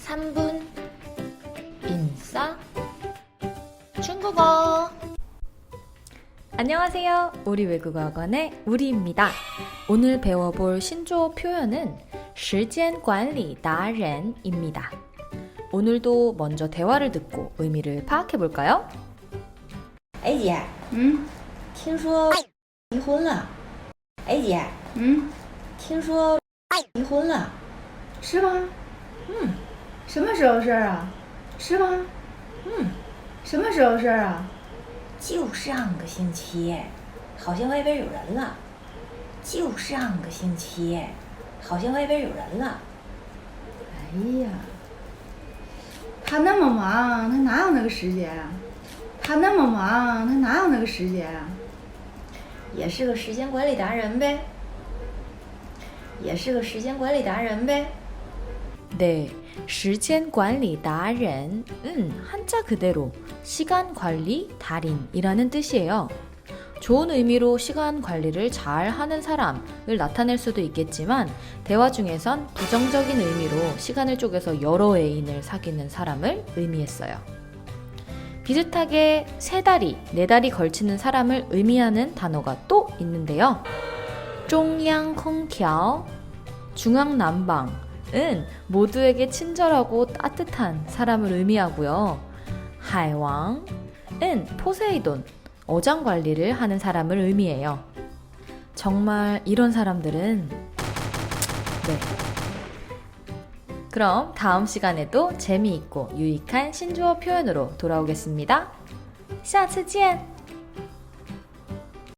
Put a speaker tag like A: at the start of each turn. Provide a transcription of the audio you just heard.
A: 3분 인싸 중국어. 안녕하세요. 우리 외국어 학원의 우리입니다. 오늘 배워볼 신조어 표현은 时间管理达人입니다. 오늘도 먼저 대화를 듣고 의미를 파악해볼까요?
B: 哎姐，听说离婚了。哎姐，听说离婚了。
C: 是吗？什么时候事儿啊？是吗？什么时候事儿啊？
B: 就上个星期，好像外边有人了。就上个星期，好像外边有人了。
C: 哎呀，他那么忙，他哪有那个时间啊？他那么忙，他哪有那个时间啊？
B: 也是个时间管理达人呗。也是个时间管理达人呗。
A: 네, 时间管理达人은 한자 그대로 시간 관리 달인이라는 뜻이에요. 좋은 의미로 시간 관리를 잘 하는 사람을 나타낼 수도 있겠지만 대화 중에선 부정적인 의미로 시간을 쪼개서 여러 애인을 사귀는 사람을 의미했어요. 비슷하게 세 다리, 네 다리 걸치는 사람을 의미하는 단어가 또 있는데요. 中央空调, 중앙난방은 모두에게 친절하고 따뜻한 사람을 의미하고요. 海王은 포세이돈, 어장 관리를 하는 사람을 의미해요. 정말 이런 사람들은 네. 그럼 다음 시간에도 재미있고 유익한 신조어 표현으로 돌아오겠습니다. 下次见!